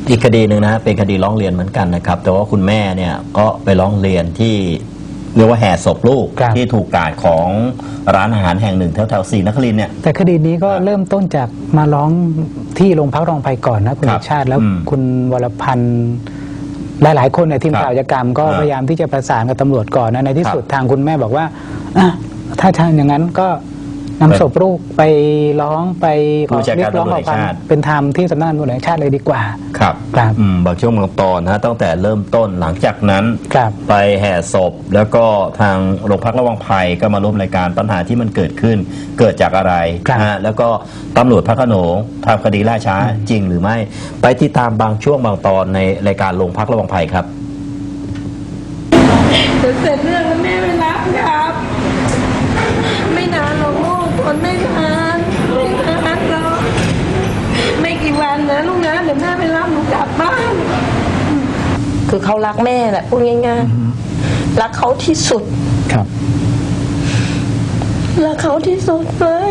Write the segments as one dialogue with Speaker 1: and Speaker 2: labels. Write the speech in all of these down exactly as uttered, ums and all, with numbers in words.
Speaker 1: อีกคดีหนึ่งนะเป็นคดีร้องเรียนเหมือนกันนะครับแต่ว่าคุณแม่เนี่ยก็ไปร้องเรียนที่เรียกว่าแห่ศพลูกที่ถูกกาดของร้านอาหารแห่งหนึ่งแถวแถวศรีนครินทร์เนี่ย
Speaker 2: แต่คดีนี้ก็เริ่มต้นจากมาร้องที่โรงพักรองไพก่อนนะคุณชาติแล้วคุณวรพันธ์หลายๆคนในทีมข่าวอาชญากรรมก็พยายามที่จะประสานกับตำรวจก่อนนะในที่สุดทางคุณแม่บอกว่าถ้าทางอย่างนั้นก็นำศพลูกไปร้องไปขอเรียกร้องขอความเป็นธรรมที่สำนักงานตำรวจแห่งชาติเลยดีกว่า
Speaker 1: ครับครับบางช่วงบางตอนนะตั้งแต่เริ่มต้นหลังจากนั้นไปแห่ศพแล้วก็ทางโรงพักระวังภัยก็มาร่วมรายการปัญหาที่มันเกิดขึ้นเกิดจากอะไรนะแล้วก็ตำรวจพระโขนงทำคดีล่าช้าจริงหรือไม่ไปติดตามบางช่วงบางตอนในรายการโรงพักระวังภัยครับ
Speaker 3: เสร็จเรื่องแล้วแม่ไม่รับครับไม่นานหรอกลูกคนไม่นานไม่นานหรอกไม่กี่วันนะลูกนะเดี๋ยวแม่ไปรับหนูกลับบ้านคือเขารักแม่แหละพูดง่ายๆรักเขาที่สุด
Speaker 2: ครับ
Speaker 3: รักเขาที่สุดเลย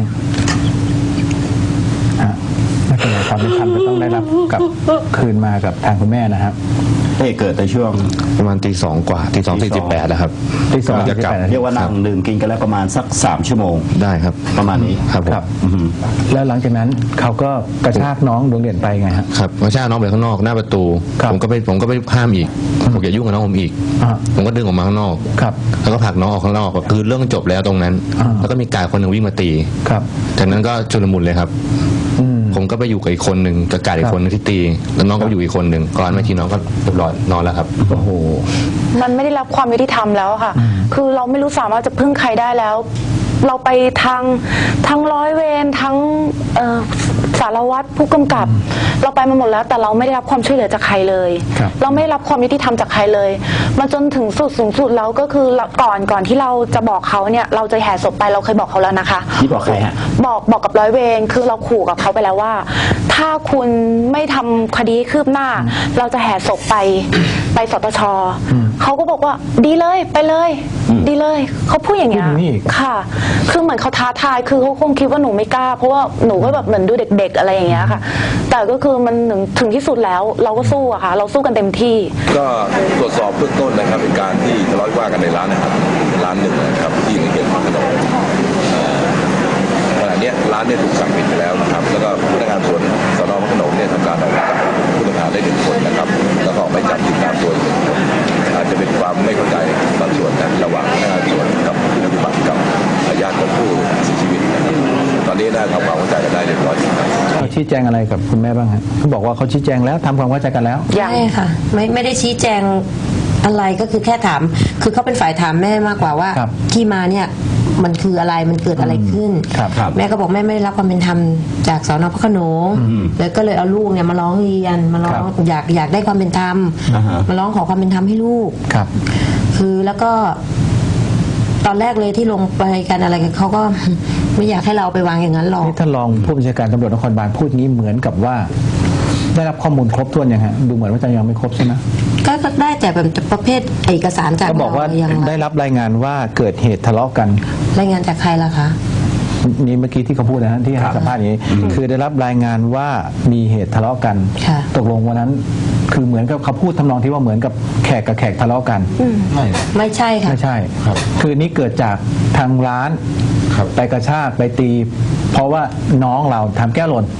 Speaker 2: ไม่เป็นไรความเป็นธรรมจะต้องได้รับกับคืนมากับทางคุณแม่นะครับ
Speaker 1: เหตุเกิดในช่วง
Speaker 4: ประมาณตีสองกว่าตีสองตีสิบแปดนะครับ
Speaker 2: ตีสองตีสิบแปด
Speaker 1: เรียกว่านั่งดื่มกินกันแล้วประมาณสักสามชั่วโมง
Speaker 4: ได้ครับ
Speaker 1: ประมาณนี้
Speaker 4: ครับ
Speaker 2: ครับแล้วหลังจากนั้นเขาก็กระชากน้องดวงเด่นไปไงครับ
Speaker 4: ครับกระชากน้องไปข้างนอกหน้าประตูผมก็ไปผมก็ไปห้ามอีกผมอย่ายุ่งกับน้องผมอีกผมก็ดึงออกมาข้างนอก
Speaker 2: ครับ
Speaker 4: แล้วก็ผลักน้องออกข้างนอกคือเรื่องจบแล้วตรงนั้นแล้วก็มีกาดคนหนึ่งวิ่งมาตี
Speaker 2: ครับ
Speaker 4: จากนั้นก็ชุลมุนเลยครับผมก็ไปอยู่กับอีกคนหนึ่งกับกาดอีกคนนึงที่ตีแล้วน้องก็อยู่อีกคนหนึ่งก่อนเมื่อกี้น้องก็เรียบร้อยนอนแล้วครับ
Speaker 2: โอ้โห
Speaker 5: มันไม่ได้รับความยุติธรรมแล้วค่ะคือเราไม่รู้สามารถจะพึ่งใครได้แล้วเราไปทางทั้งร้อยเวรทั้งสารวัตรผู้กำกับเราไปมาหมดแล้วแต่เราไม่ได้รับความช่วยเหลือจากใครเลยเราไม่ได้รับความยุติธรรมจากใครเลยมันจนถึงสุดสูงสุดแล้วก็คือก่อนก่อนที่เราจะบอกเขาเนี่ยเราจะแห่ศพไปเราเคยบอกเขาแล้วนะคะ
Speaker 1: ที่บอกใครฮะ
Speaker 5: บอกบอกกับร้อยเวรคือเราขู่กับเขาไปแล้วว่าถ้าคุณไม่ทำคดีคืบหน้าเราจะแห่ศพไปไปสตช.เขาก็บอกว่าดีเลยไปเลยดีเลยเขาพูดอย่างเงี้ยค่ะคือเหมือนเขาท้าทายคือเขาคงคิดว่าหนูไม่กล้าเพราะว่าหนูก็แบบเหมือนดูเด็กๆอะไรอย่างเงี้ยค่ะแต่ก็คือมันถึงถึงที่สุดแล้วเราก็สู้อะค่ะเราสู้กันเต็มที่
Speaker 6: ก็ตรวจสอบเบื้องต้นนะครับเป็นการที่ทะเลาะวิวาทกันในร้านนะครับร้านหนึ่งนะครับที่ในเขตพระโขนงขณะนี้ร้านเนี่ยถูกสั่งปิดไปแล้วนะครับแล้วก็พนักงานสวนสน.พระโขนงเนี่ยทำการออกหมายจับผู้ต้องหาได้หนึ่งคนนะครับแล้วก็ออกหมายจับติดตามตัวหนึ่งคนอาจจะเป็นความไม่เข้าใจบางส่วนนะระหว่างพนักงานสวนกับผู้ปฏิบัติกับญาติของผู้เสียชีวิตนะครับตอนนี้ได้ทำความเข้าใจกันได้เรียบร้อยครับ
Speaker 2: เขาชี้แจงอะไรกับคุณแม่บ้างฮะเขาบอกว่าเขาชี้แจงแล้วทำความเข้าใจกันแล้ว
Speaker 3: ใช่ค่ะไม่ไม่ได้ชี้แจงอะไรก็คือแค่ถามคือเขาเป็นฝ่ายถามแม่มากกว่าว่าที่มาเนี่ยมันคืออะไรมันเกิดอะไรขึ้นแม่ก็บอกแม่ไม่ได้รับความเป็นธรรมจากสน.พระโขนงแล้วก็เลยเอาลูกเนี่ยมาร้องเรียนมาร้องอยากอยากได้ความเป็นธรรมมาร้องขอความเป็นธรรมให้ลูกคือแล้วก็ตอนแรกเลยที่ลงไปกันอะไรกันเขาก็ไม่อยากให้เราไปวางอย่างนั้นหรอก
Speaker 2: ท่านรองผู้บัญชาการตำรวจนครบาลพูดงี้เหมือนกับว่าได้รับข้อมูลครบถ้วนยังฮะดูเหมือนว่าจะยังไม่ครบใช่ไหม
Speaker 3: ก็ได้แต่แบบประเภทเอกสารจาก
Speaker 2: เขาบอกว่าได้รับรายงานว่าเกิดเหตุทะเลาะกัน
Speaker 3: รายงานจากใครล่ะคะ
Speaker 2: นี่เมื่อกี้ที่เขาพูดนะฮะที่ให้สัมภาษณ์นี้คือได้รับรายงานว่ามีเหตุทะเลาะกันตกลงวันนั้นคือเหมือนกับเขาพูดทำนองที่ว่าเหมือนกับแขกกับแขกทะเลาะกัน
Speaker 3: ไม่ไม่ใช่ค่ะ
Speaker 2: ไม่ใช่ครับคือนี่เกิดจากทางร้านไปกระชากไปตีเพราะว่าน้องเราทำแก้วหล่น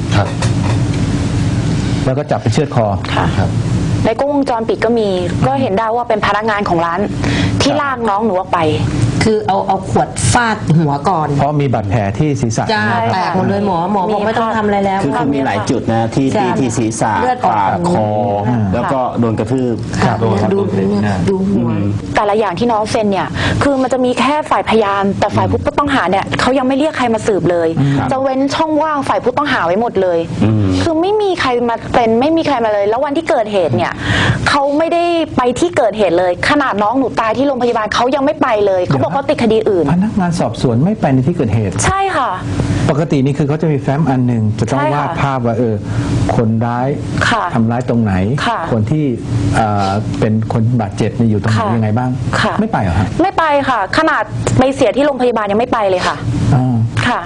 Speaker 2: แล้วก็จับไปเชือดคอ
Speaker 5: ค่ะในกล้องวงจรปิดก็มีก็เห็นได้ว่าเป็นพนักงานของร้านที่ลากน้องหนูออกไป
Speaker 3: คือเอาเอาขวดฟาดหัวก่อน
Speaker 2: เพราะมีบาดแผลที่ศีรษะ
Speaker 3: จ้าแตกหมดเลยหมอหมอบอกไม่ต้องทำอะไรแล้ว
Speaker 1: คือมีหลายจุดนะที่ที่ที่ศีรษะปากคอแล้วก็โดนกระทืบ
Speaker 3: ดูดูหัว
Speaker 5: แต่ละอย่างที่น้องเซ็นเนี่ยคือมันจะมีแค่ฝ่ายพยานแต่ฝ่ายผู้ต้องหาเนี่ยเขายังไม่เรียกใครมาสืบเลยจะเว้นช่องว่างฝ่ายผู้ต้องหาไว้หมดเลยคือไม่มีใครมาเป็นไม่มีใครมาเลยแล้ววันที่เกิดเหตุเนี่ยเขาไม่ได้ไปที่เกิดเหตุเลยขนาดน้องหนูตายที่โรงพยาบาลเขายังไม่ไปเลยเขาบอกเขาติดคดีอื่น
Speaker 2: พนักงานสอบสวนไม่ไปในที่เกิดเหตุ
Speaker 5: ใช่ค่ะ
Speaker 2: ปกตินี่คือเขาจะมีแฟ้มอันหนึ่งจะต้องวาดภาพว่าเออคนร้ายทำร้ายตรงไหนคนที่เป็นคนบาดเจ็บอยู่ตรงไหนยังไงบ้างไม่ไปเหรอฮะ
Speaker 5: ไม่ไปค่ะขนาดไปเสียที่โรงพยาบาลยังไม่ไปเลยค่ะค่ะ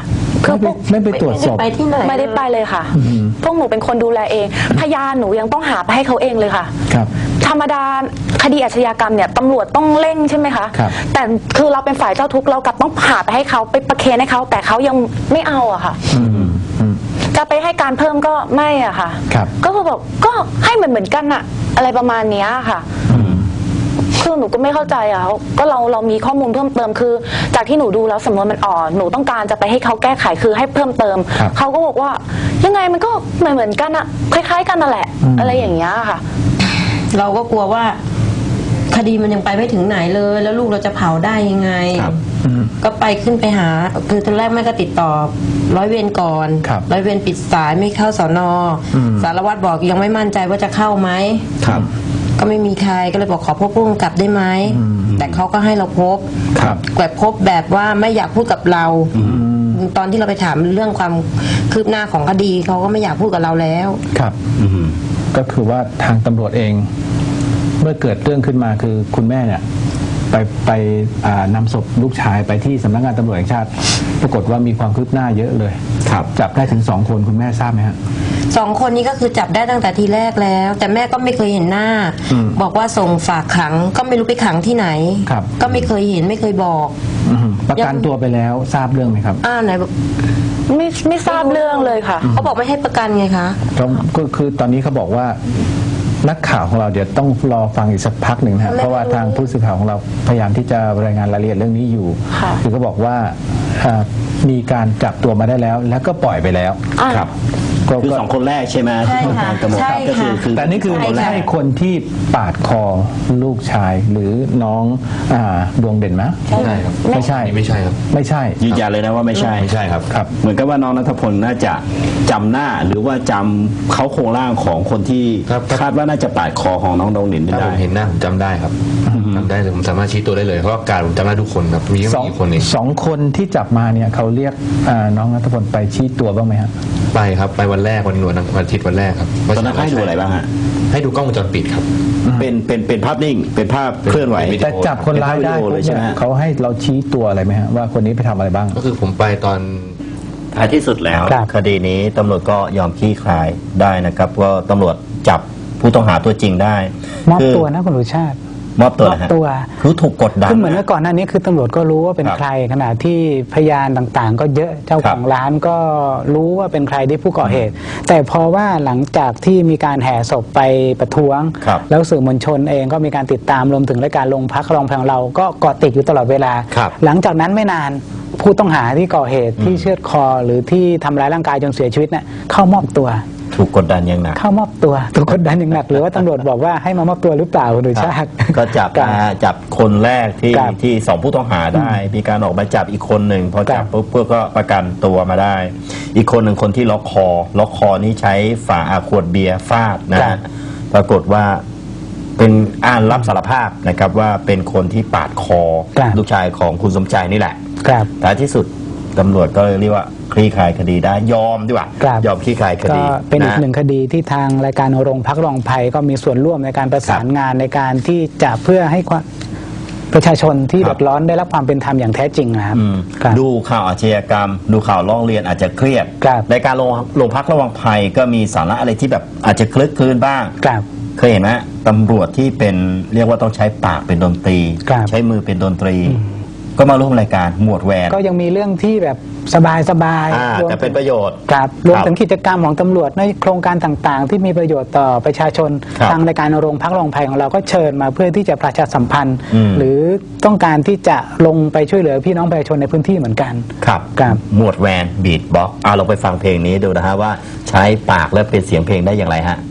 Speaker 5: คือพวก
Speaker 2: ไม่ไปตรวจศพ
Speaker 3: ไม่ได้ไปที่ไหน
Speaker 5: ไม่ได้ไปเลยค่ะ พวกหนูเป็นคนดูแลเอง พยานหนูยังต้องหาไปให้เขาเองเลยค่ะ
Speaker 2: ครับ
Speaker 5: ธรรมดาคดีอาชญากรรมเนี่ยตำรวจต้องเร่งใช่ไหมคะ
Speaker 2: ครับ
Speaker 5: แต่คือเราเป็นฝ่ายเจ้าทุกข์เรากลับต้องหาไปให้เขาไปประเคนให้เขาแต่เขายังไม่เอาอะค่ะ
Speaker 2: อืมอืม
Speaker 5: จะไปให้การเพิ่มก็ไม่อะค่ะ
Speaker 2: ครับ
Speaker 5: ก็คือแบบก็ให้เหมือนเหมือนกันอะอะไรประมาณเนี้ยค่ะ คือหนูก็ไม่เข้าใจอ่ะก็เราเรามีข้อมูลเพิ่มเติมคือ จากที่หนูดูแล้วสำนวนมันอ่อนหนูต้องการจะไปให้เขาแก้ไขคือให้เพิ่มเติม
Speaker 2: ครับ
Speaker 5: เขาก็บอกว่ายังไงมันก็เหมือนเหมือนกันอะคล้ายๆกันนั่นแหละ
Speaker 2: อืม
Speaker 5: อะไรอย่างเงี้ยค่ะ
Speaker 3: เราก็กลัวว่า คดีมันยังไปไม่ถึงไหนเลย แล้วลูกเราจะเผาได้ยังไง
Speaker 1: ครับ
Speaker 2: อืม
Speaker 3: ก็ไปขึ้นไปหา คือตอนแรกแม่ก็ติดต่อร้อยเวรก่อน
Speaker 2: ครับ
Speaker 3: ร้อยเวรปิดสายไม่เข้าสอนอ
Speaker 2: อืม
Speaker 3: สารวัตรบอกยังไม่มั่นใจว่าจะเข้าไหม
Speaker 1: ครับ
Speaker 3: ก็ไม่มีใครก็เลยบอกขอพบผู้กำกับได้ไหม แต่เขาก็ให้เราพบ
Speaker 2: ครับ
Speaker 3: แบบพบแบบว่าไม่อยากพูดกับเรา ตอนที่เราไปถามเรื่องความคืบหน้าของคดีเขาก็ไม่อยากพูดกับเราแล้ว
Speaker 2: ครับ
Speaker 1: อืม
Speaker 2: ก็คือว่าทางตำรวจเอง เมื่อเกิดเรื่องขึ้นมาคือคุณแม่เนี่ย ไปไปอ่านำศพลูกชายไปที่สำนักงานตำรวจแห่งชาติ ปรากฏว่ามีความคืบหน้าเยอะเลย
Speaker 1: ครับ
Speaker 2: จับได้ถึงสองคนคุณแม่ทราบไหมฮะ
Speaker 3: สองคนนี้ก็คือจับได้ตั้งแต่ทีแรกแล้ว แต่แม่ก็ไม่เคยเห็นหน้า
Speaker 2: อืม
Speaker 3: บอกว่าส่งฝากขังก็ไม่รู้ไปขังที่ไหน
Speaker 2: ครับ
Speaker 3: ก็ไม่เคยเห็นไม่เคยบอก
Speaker 2: อืมประกันตัวไปแล้วทราบเรื่องไหมครับ
Speaker 3: อ้าวไหนบอก
Speaker 5: ไม่ไม่ทราบเรื่องเลยค่ะ
Speaker 3: เขาบอกไม่ให้ประกันไงคะ
Speaker 2: ก็ก็คือตอนนี้เขาบอกว่านักข่าวของเราเดี๋ยวต้องรอฟังอีกสักพักหนึ่งนะฮะเพราะว่าทางผู้สื่อข่าวของเราพยายามที่จะรายงานรายละเอียดเรื่องนี้อยู่
Speaker 5: ค่ะ
Speaker 2: คือเขาบอกว่าอ่ามีการจับตัวมาได้แล้ว แล้วก็ปล่อยไปแล้ว
Speaker 5: อ่า
Speaker 2: ครับก็
Speaker 1: คือ
Speaker 2: ก็
Speaker 1: สองคนแรกใช่ไหม
Speaker 3: ใช่
Speaker 1: ที่
Speaker 3: ค่ะ
Speaker 1: ทางตำรวจ
Speaker 3: ใช่
Speaker 1: ก็คือ
Speaker 3: ค่ะ
Speaker 1: คือ
Speaker 2: แต่นี่คือ
Speaker 3: ใช่
Speaker 2: ไม่
Speaker 3: ค่ะ
Speaker 2: ใช่คนที่ปาดคอลูกชายหรือน้องอ่าดวงเด่นไหม
Speaker 4: ใช่ครับ
Speaker 2: ไม่ใช่
Speaker 4: อันนี้ไม่ใช่ครับ
Speaker 2: ไม่ใช่
Speaker 1: ยืนยันเลยนะว่าไม่ใช่
Speaker 4: ไม่ใช่ครับ
Speaker 2: ครับ
Speaker 1: เหมือนกับว่าน้องนัทพลน่าจะจำหน้าหรือว่าจำเขาโครงร่างของคนที่
Speaker 4: ครับ
Speaker 1: คาดว่าน่าจะปาดคอของน้องดงหลิน
Speaker 4: ถ้าผ
Speaker 1: ได้
Speaker 4: มเห็นหน้าผมจำได้ครับจำได้เลยผมสามารถชี้ตัวได้เลยเพราะว่าการผมจำได้ทุกคนครับมีแค่
Speaker 2: สอง
Speaker 4: ไม่กี่คนเอง
Speaker 2: สองคนที่จับมาเนี่ยเขาเรียกอ่าน้องนัทพลไปชี้ตัวบ้างไหมฮะ
Speaker 4: ไปครับไปวันแรกวันหนวดวันอาทิตย์วันแรกครับ
Speaker 1: ตอนนั้นให้ดูอะไรบ้างฮะ
Speaker 4: ให้ดูกล้องวงจรปิดครับ
Speaker 1: เป็นเป็นเป็นภาพนิ่ง เป็นภาพเคลื่อนไหว
Speaker 4: เป็นวิดี
Speaker 2: แต่
Speaker 4: โอ
Speaker 2: จับคนร้ายได้
Speaker 1: เป็นภาพวิดีโอเลยใช่ไหมฮะ
Speaker 2: เขาให้เราชี้ตัวอะไรไหมฮะว่าคนนี้ไปทำอะไรบ้าง
Speaker 4: ก็คือผมไปตอน
Speaker 1: ท้ายที่สุดแล้ว
Speaker 2: ครับ
Speaker 1: คดีนี้ตำรวจก็ยอมคลี่คลายได้นะครับก็ตำรวจจับผู้ต้องหาตัวจริงได้
Speaker 2: มอบ
Speaker 1: คื
Speaker 2: ตัวนะคุณรุชาติ
Speaker 1: มอบตัวนะฮะ
Speaker 2: มอบตัว
Speaker 1: คือถูกกดดัน
Speaker 2: คือเหมือนเมื่อก่อนหน้านี้คือตำรวจก็รู้ว่าเป็น
Speaker 1: ครับ
Speaker 2: ใครขณะที่พยานต่างๆ ก็เยอะเจ้า
Speaker 1: ครั
Speaker 2: ข
Speaker 1: บ
Speaker 2: องร้านก็รู้ว่าเป็นใครที่ผู้ก่อเหตุ แต่พอว่าหลังจากที่มีการแห่ศพไปประท้วง
Speaker 1: ครับ
Speaker 2: แล้วสื่อมวลชนเองก็มีการติดตามรวมถึงรายการลงพักรองแพงเราก็เกาะติดอยู่ตลอดเวลา
Speaker 1: ครับ
Speaker 2: หลังจากนั้นไม่นานผู้ต้องหาที่ก่อเหตุที่เชือดคอหรือที่ทำร้ายร่างกายจนเสียชีวิตน่ะเข้ามอบตัว
Speaker 1: ถูกกดดันอย่างหนัก
Speaker 2: เข้ามอบตัวถูกกดดันอย่างหนักหรือว่าตำรวจบอกว่าให้มามอบตัวหรือเปล่าคุณดุชาติ
Speaker 1: ก็จับ
Speaker 2: ครับ
Speaker 1: มาจับคนแรกที่
Speaker 2: ครับ
Speaker 1: ที่สองผู้ต้องหาได้ มีการออกหมายจับอีกคนหนึ่งพอจับ
Speaker 2: ครับ
Speaker 1: ปุ๊บเพื่อก็ประกันตัวมาได้ อีกคนหนึ่งคนที่ล็อกคอ ล็อกคอนี่ใช้ฝาอาขวดเบียร์ฟาดนะฮะปรากฏว่าเป็นอ่านรับสารภาพนะครับว่าเป็นคนที่ปาดคอ
Speaker 2: ครับ
Speaker 1: ลูกชายของคุณสมใจนี่แหละ
Speaker 2: ครับ
Speaker 1: ท้ายที่สุดตำรวจก็เลยเรียกว่าคลี่คลายคดีได้ยอมดีกว่า
Speaker 2: ครับ
Speaker 1: ยอมคลี่คลายค
Speaker 2: ก็
Speaker 1: ดี
Speaker 2: เป็นอีก
Speaker 1: ะ
Speaker 2: หนึ่งคดีที่ทางรายการโรงพักรองภัยก็มีส่วนร่วมในการประสานงานในการที่จะเพื่อให้ความประชาชนที่
Speaker 1: ครับ
Speaker 2: เดือดร้อนได้รับความเป็นธรรมอย่างแท้จริงนะครับ
Speaker 1: อืม
Speaker 2: ครับ
Speaker 1: ดูข่าวอาชญากรรม ดูข่าวร้องเรียนอาจจะเครียด
Speaker 2: ครับ
Speaker 1: ในการลงลงพักระวังภัยก็มีสาระอะไรที่แบบอาจจะคลึกคลืนบ้าง
Speaker 2: ครับ
Speaker 1: เคยเห็นไหมตำรวจที่เป็นเรียกว่าต้องใช้ปากเป็นดนตรี
Speaker 2: ครับ
Speaker 1: ใช้มือเป็นดนตรี ก็มาร่วมรายการหมวดแหวน
Speaker 2: ก็ยังมีเรื่องที่แบบสบายสบาย
Speaker 1: อ่าแต่เป็นประโยชน์
Speaker 2: ครับรวม
Speaker 1: ครับ
Speaker 2: ถึงกิจกรรมของตำรวจในโครงการต่างๆ ที่มีประโยชน์ต่อประชาชน
Speaker 1: ครับ
Speaker 2: ทางรายการโรงพักรองภัยของเราก็เชิญมาเพื่อที่จะประชาสัมพันธ์
Speaker 1: อืม
Speaker 2: หรือต้องการที่จะลงไปช่วยเหลือพี่น้องประชาชนในพื้นที่เหมือนกัน
Speaker 1: ครับ
Speaker 2: ครับ
Speaker 1: หมวดแวนบีทบ็อกอ่าเราไปฟังเพลงนี้ดูนะฮะว่าใช้ปากและเป็นเสียงเพลงได้อย่างไรฮะ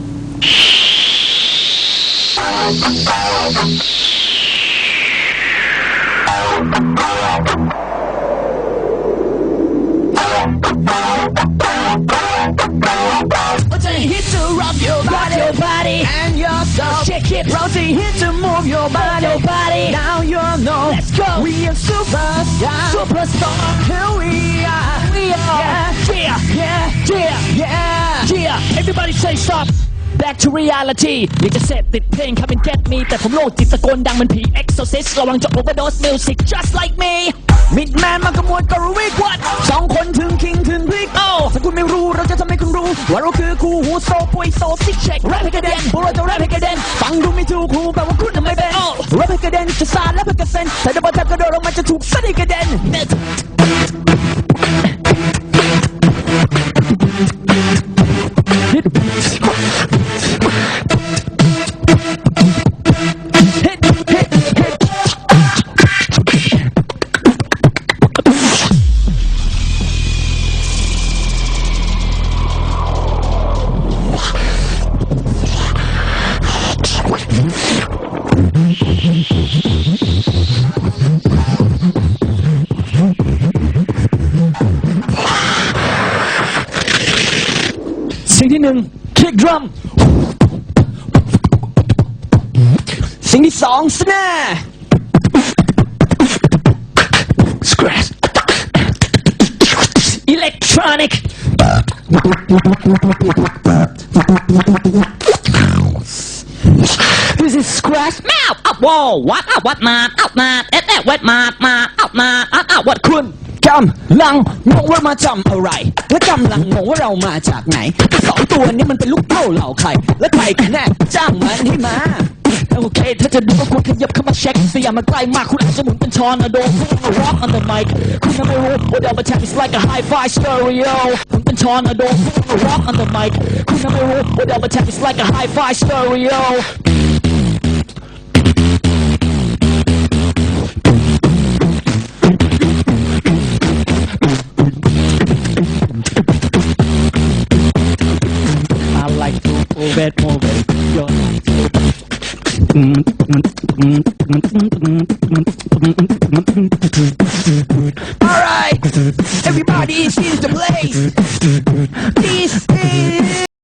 Speaker 7: Rotate hit to rock your body, your body and your soul. Shake it, rotate hit to move your body, your body. Now you know. Let's go. We are superstar, superstar. Here we are, we are. Yeah, yeah, yeah, yeah, yeah, yeah. Everybody say stop. Back to reality อยากจะเสพติดเพลง Come and get me แต่ผมโลกจิตตะโกนดังมันผี Exorcist ระวังจะ overdose music just like me Midman มากระมวลก็รู้วิกวัดสองคนถึงว่าเราคือคู่หูโซปุยโซซิกเช็คแรปให้กระเด็นพวกเราจะแรปให้กระเด็นฟังดูไม่ถูกหูแปลว่าคุณทำไม่เป็นแรปให้กระเด็นจะสาดแรปให้กระเซ็นแต่ถ้าบอลทับกระโดดแล้วมันจะถูกซัดให้กระเด็น สิ่งที่หนึ่ง kick drum สิ่งที่สอง snare scratch electronic this is scratch แมวอัพวอลวัดอัพวัดมาอัพมาเอสเอวัดมามาอัพมาอัพอัพวัดคุณกำลังงงว่ามาจำอะไรและกำลังงงว่าเรามาจากไหนสองตัวนี้มันเป็นลูกเต้าเหล่าใครและใครกันแน่จ้างมันให้มาโอเคถ้าจะดูก็ควรขยับเข้ามาเช็คเสียมาใกล้มากคุณอาจจะหมุนเป็นทอร์นาโดพุ่งมา rock on the mic คุณไม่รู้ว่าเดลมาแทบ is like a hi-fi stereo หมุนเป็นทอร์นาโดพุ่งมา rock on the mic คุณไม่รู้ว่าเดลมาแทบ is like a hi-fi stereo I like to move it, move it. Your Alright, everybody, this is the place. This is